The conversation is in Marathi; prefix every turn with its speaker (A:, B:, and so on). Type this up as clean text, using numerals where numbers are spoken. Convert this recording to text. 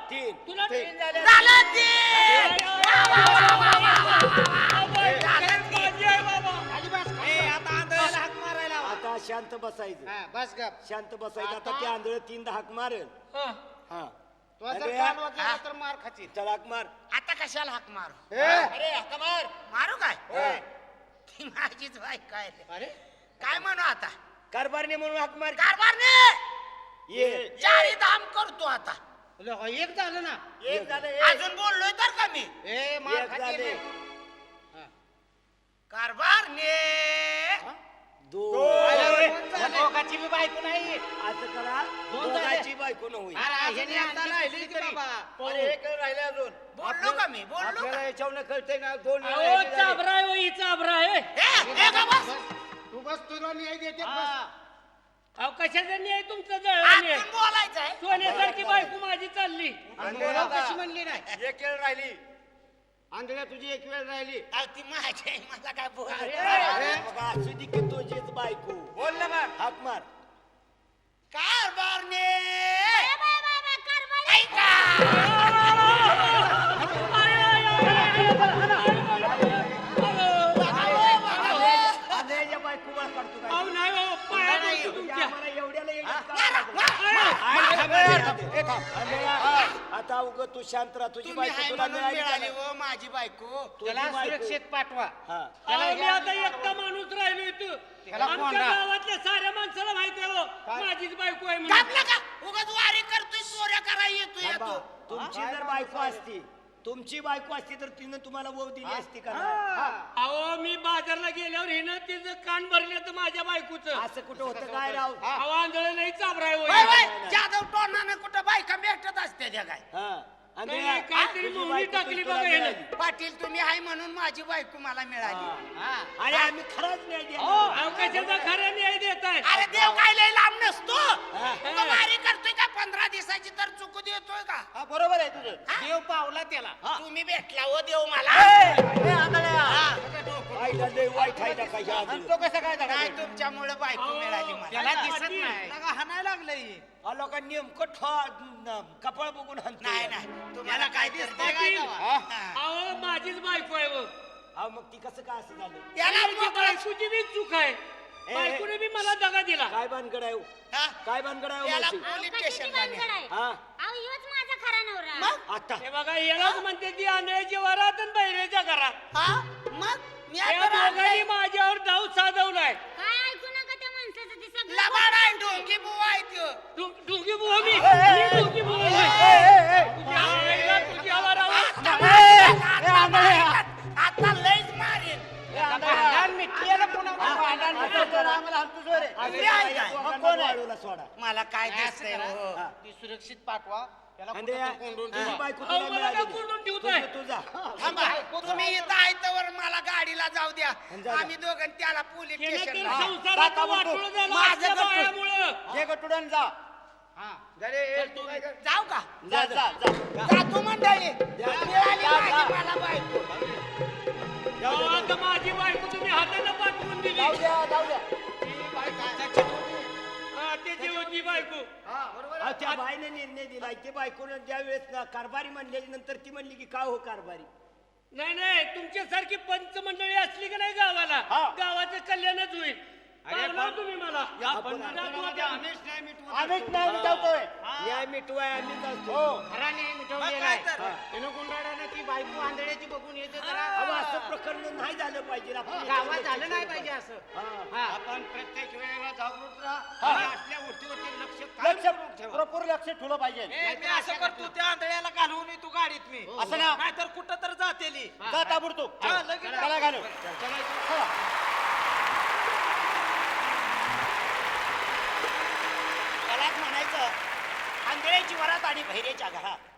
A: तीन
B: तुला
A: तीन झाले.
C: झालं ते.
B: माझी आहे बाबा.
D: खाली बस,
C: ए,
D: खाली बस.
C: आता आंधळ्याला हाक मारायला हवा.
A: आता शांत बसायचं.
D: हा, बस गप.
A: शांत बसायचं. आता ते आंधळ तीनदा हाक मारेल.
B: हा.
A: हा
D: तू जर
A: अरे,
D: कान वाजवला तर मार खाशील.
A: चला हाक मार.
C: आता कशाला हाक मारू?
D: ए,
C: अरे हाक मार. मारू काय?
D: ए.
C: ती माझीच बायको आहे.
D: अरे
C: काय म्हणू आता?
A: कारभारने म्हणून हाक मार.
C: कारभारने
A: ये
C: चारी धाम करतो आता.
D: तुला हो, एक झालं ना.
A: एक झालं.
C: अजून बोललोय तर का मी?
D: ए मार
A: एक
D: खाशील.
A: झाले.
D: हा.
C: कारभारने
A: दोन.
D: दोघाची बी बायको नाही.
A: असं करा.
D: दोन
A: दोघांची बायको न होईल.
D: अरे, ह्याने आता राहिली तरी.
A: अरे, एक राहिले अजून.
C: बोललो का मी? बोललो
A: आपल्याला
C: का?
A: याच्यावर कळतंय ना दोन वेळा
B: अहो
A: हे झाले.
B: चाबरा आहे हो, ही चाबरा आहे.
C: ए का बस?
D: तू बस, तुला न्याय देते बस.
A: हा.
B: अहो कशाचा न्याय तुमचा जळवाने
C: आतून बोलायचं आहे.
B: सोन्यासारखी बायको माझी चालली.
D: मला कशी म्हणली नाही.
A: एक वेळ राहिली. आंधळ्या तुझी एक वेळ राहिली.
C: अहो, ती माझी आहे, मला काय बोल.
A: अरे, मग असू दे की तुझीच बायको. बोल ना मग. हाक मार.
C: कारभारने
A: आंधळ्याच्या बायको वर काढतो काय?
B: अहो नाही हो पाया पडतो तुमच्या.
A: आम्हाला एवढ्याला येण्यात काय लागलं? आंधळ्या, आता उग तू शांत राहा. तुझी
C: तुम्ही
A: बायको
C: हाय
A: तुला
C: म्हणून
A: मिळाली
C: मिळाली
A: का?
C: हो माझी बायको.
D: त्याला
A: तुझी बायको.
D: सुरक्षित पाठवा.
A: हा.
B: अहो, मी आता एकटा माणूस राहिलो इथं.
D: त्याला
B: आमच्या
D: कोंडा.
B: गावातल्या साऱ्या माणसाला माहिती आहे हो माझीच बायको आहे म्हणून.
C: कापलं का? उगाच वारी करतोय, चोऱ्या करायला येतोय
A: थांबा.
C: येतो.
A: तुमची जर बायको असती, तुमची बायको असती तर तिनं तुम्हाला वहू दिली असती का नाही?
B: अहो मी बाजारला गेल्यावर हिनं तिचं कान भरले तर माझ्या बायकोचं.
A: असं कुठं होतं काय राव?
B: अहो आंधळ नाही चाबरा आहे हो
C: वय,
B: ही.
C: वय, जाधव टोनानं कुठं बायका भेटत असते त्या काय?
A: हा.
B: नाही,
A: आंधळ्या,
B: काहीतरी
A: तुझी
B: मोहरी
A: बायको
B: टाकली
A: तुला
B: बघा हिनं.
A: मिळाली.
C: पाटील तुम्ही आहे म्हणून माझी बायको मला मिळाली.
D: हा.
A: आणि आम्ही खरंच नाही दिला.
B: अहो कशाचा खरा न्याय देताय.
C: अरे देव काय लय लांब नसतो.
A: हा.
C: तो वारी करतोय का 15 दिवसाची तर चुकू देतोय का?
A: हा, बरोबर आहे तुझं.
D: देव पावला त्याला.
C: तुम्ही भेटला हो देव मला.
A: वाईट आहे, वाईट आहे का काही आधी?
C: काय तुमच्यामुळे बायको मिळाली मला.
D: त्याला दिसत नाही.
C: हाणायला लागलंय.
A: हा, लोकांनी नेमकं कपाळ बघून हाणतो.
C: नाही नाही तुम्हाला काय दिसतंय
B: पाटील.
C: काय?
B: अहो माझीच बायको आहे हो.
A: हा, मग ती कसं काय असं झालं?
C: त्याला
B: माझी बायकोची बी चूक आहे. बायकोने बी मला दगा दिला.
A: काय भानगड आहे हो?
C: हा?
A: काय भानगड आहे हो
C: त्याला
A: मावशी?
C: पोलीस
E: कशाची
C: स्टेशनला
E: भानगड
C: न्या.
E: आहे?
A: हा,
E: अहो, ह्योच माझा खरा नवरा.
C: मग
A: आता
B: हे बघा यालाच म्हणते ती आंधळ्याची वरात आणि बहिरेच्या घरात.
C: हा मग मी
B: या
C: आता
B: दोघांनी
C: राहिलोय.
B: माझ्यावर डाव साधवलाय.
E: काय ऐकू नका त्या माणसाचं, ते सगळं
C: लबाड आहे ढोंगी बुवा आहे त्यो.
B: ढुंगी बुवा मी ढुंगी बुवा होय. तुझ्या आईला तुझ्या वरावर.
C: आता लयच मारेल.
D: भांडण मिटलेलं पुन्हा भांडण
A: असं कर, आम्हाला हाणतोस रे.
C: मी आहे काय?
A: दोघांना
D: मग कोण आहे?
A: वाळूला सोडा.
C: मला काय
D: असं
C: दिसतंय
D: करा.
C: हो.
A: हा.
D: ती सुरक्षित पाठवा. त्याला
A: आणि
D: कुठं तर कोंडून
A: तुझी
D: ठेवा.
A: बायको
B: अहो,
A: तुला
B: मला
A: मिळाली
B: का
A: नाही.
B: कोंडून ठेवताय?
A: तुझा
C: थांबा तुम्ही इथं आयतवर मला गाडीला जाऊ द्या.
A: जा.
C: आम्ही दोघं त्याला पोलीस
B: केलं तर
C: स्टेशनला.
B: संसाराचं वाटोळं झालं
C: माझं
B: असल्या
C: गट्टू.
B: बायामुळं.
A: जे गटुडन जा.
D: हा.
C: जाऊ का?
A: जा जा जा.
C: जातो मंडळी. मिळाली
A: जा,
C: माझी
A: जा.
C: मला बायको.
B: अहो, आता माझी बायको तुम्ही हाताने पाठवून दिली.
A: जाऊ द्या, जाऊ द्या.
B: हा, त्याची होती बायको.
A: अहो, त्या बाईने निर्णय दिला की बायकोनं ज्या वेळेस कारभारी म्हणले नंतर ती म्हणली की काय हो कारभारी.
B: नाही नाही तुमच्यासारखी पंच मंडळी असली की नाही गावाला
A: हा.
B: गावाचं कल्याणच होईल. पावला तुम्ही मला
A: आपण
B: जातो आता.
A: आम्हीच न्याय मिटवतोय. न्याय मिटवाय आम्हीच असतो.
D: खरा न्याय मिटवलेला
C: काय तर?
D: आहे. त्यानं गुंडाळानं ती बायको आंधळ्याची बघून येते जरा.
A: अहो, असं प्रकरण नाही झालं पाहिजे. आपण
D: गावात झालं नाही पाहिजे असं.
A: हा.
D: हा.
F: आपण प्रत्येक वेळेला जागृत राहा
A: हा.
F: आणि असल्या गोष्टीवरती लक्ष
A: लक्ष
F: कायम ठेवा.
A: भरपूर लक्ष ठेवलं पाहिजे.
C: मी असं करतो त्या आंधळ्याला घालवून येतो गाडीत मी.
A: असं ना.
C: नाहीतर कुठं तर जातेली.
A: जा ताबडतोब.
C: हा, लगेच
A: चला घालू.
C: त्यालाच म्हणायचं आंधळ्याची वरात आणि बहिरेच्या घरात.